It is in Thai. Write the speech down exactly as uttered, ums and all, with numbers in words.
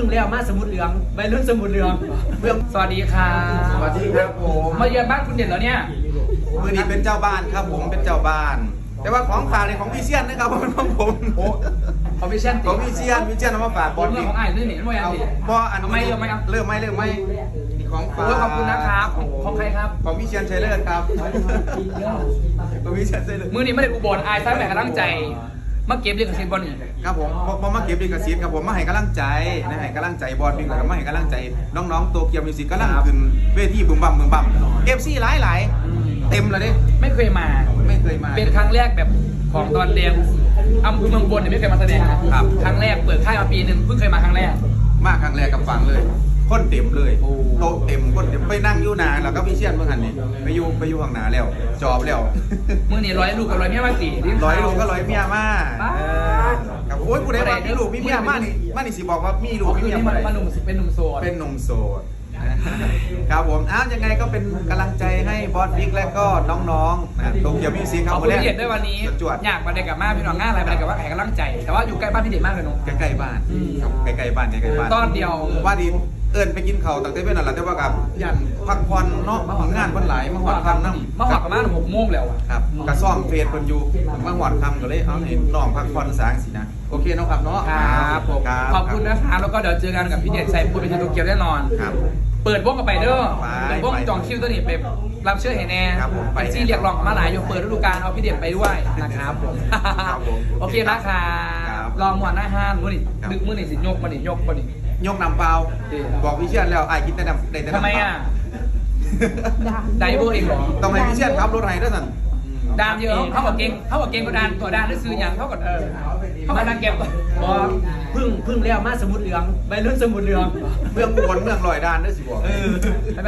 งแล้วมาสมุดเหลืองใบรุ่นสมุดเหลืองเบื้องสวัสดีค่ะสวัสดีครับผมมาเยือนบ้านคุณเด่นแล้วเนี่ยมือนี้เป็นเจ้าบ้านครับผมเป็นเจ้าบ้าน แต่ว่าของฝากเนี่ยของพี่เชียนนะครับผมเป็นของผมโอ้คอมมิชชั่นของพี่เชียนพี่เชียนเอามาฝากบอลเรื่ออีงกของไอ้เรื่องนี้ไม่ยันเอาดิเพราะอันทำไมเริ่มไหมครับเริ่มไหมเริ่มไหมมีของฝากโอ้ยขอบคุณนะครับของของใครครับของพี่เชียนชัยเลิศครับของพี่เชียนชัยเลิศมือนี้ไม่ได้อุบลไอ้ซ้ายแม่กำลังใจมาเก็บเรื่องเซนบอลนี่ครับผมพอพอมาเก็บดีกระสีครับผมมาให้กำลังใจนะให้กำลังใจบอลวิ่งแล้วมาให้กำลังใจน้องๆตัวเกียวมิวสิกกำลังขึ้นเวทีบึมบั่มบึมบั่มเอฟซีหลายหลายๆเต็มเลยดิไม่เคยมาไม่เคยมาเป็นครั้งแรกแบบของตอนเรียนอำเภอเมืองบนเนี่ยไม่เคยมาแสดงนะครับ ครั้งแรกเปิดค่ายมาปีหนึ่งเพิ่งเคยมาครั้งแรกมาครั้งแรกกับฟังเลยคนเต็มเลยโอ้โต๊ะเต็มคนเต็มไปนั่งอยู่นานแล้วก็พี่เชียนเมื่อหันนี่ไปอยู่ไปอยู่ข้างหน้าแล้ว จอบแล้วมือนี่ร้อยลูกกับร้อยเมียมาสี่ร้อยลูกก็ร้อยเมียมาบ้าเออครับโอ้ยผู้ใดว่ามีลูกมีเมียมานี่มานี่สิบอกว่ามีลูกมีคือเมียนี่มามันมันหนุ่มเป็นหนุ่มโสดเป็นหนุ่มโสดครับผมอ้าวยังไงก็เป็นกำลังใจให้บอสบิ๊กและก็น้องๆนะโตเกียวมิวสิกคขรัอบบคุณพี่เด็ดด้วยวันนี้จวดอยากมาเด็กกับมาพี่น้องง่ายอะไรมาเด็กกับว่าแข่งกำลังใจ แต่ว่าอยู่ใกล้บ้านพี่เด็ดมากเลยเนาะใกล้ๆบ้านอืมครับใกล้ๆบ้านใกล้ๆบ้านตอนเดียวว่าดีเอิญไปกินเขาวตั้งแต่เว้นนั่นแหละแต่ว่ากับยันพักผ่อนเนาะมาหอดงานวันหลายมาหอดคำน้ำมาหอดประมาณหกโมงแล้วอะครับกระซ่อมเฟซคนอยู่มาหอดคำก็เลยเอาเห็นน้องพักผ่อนสางสินะโอเคเนาะครับเนาะครับผมครับขอบคุณนะครับแล้วก็เดี๋ยวเจอกันกับพี่เด็ดใส่พูดเป็นโตเกียวแน่นอนครับเปิดวงกับไปเด้อไปเปิดวงไปจองคิวตัวนี้ไปรับเชื่อเห็นแน่ครับผมไปไปซี่เรียกร้องมาหลายอยู่เปิดฤดูกาลเอาพี่เด็ดไปด้วยนะครับผมครับผมโอเคนะครัครับ บลองหมวนหน้าห้านมื้อนี่ครับดึกมื้อนี่สิยกมื้อนี่ยกมื้อนี่ยกนำเปล่าดีบอกพี่เชียนแล้วไอ้ายกินแต่นำได้แต่น้ำทำไมเปล่าอ่ะไดเวอร์เองเหรอต้องให้พี่เชียนขับรถไห้ด้วยสั่นดานเยอะเขากับเก่งเขากับเก่งก็ดานตัวดานได้ซื้ออย่างเขากับเออเขากับดานเก็บก็บอพึ่งพึ่งแล้วมาสมุดเหลืองใบรุ่นสมุดเหลืองเมืองอุบลเมืองลอยดานด้วยสิบอกเออ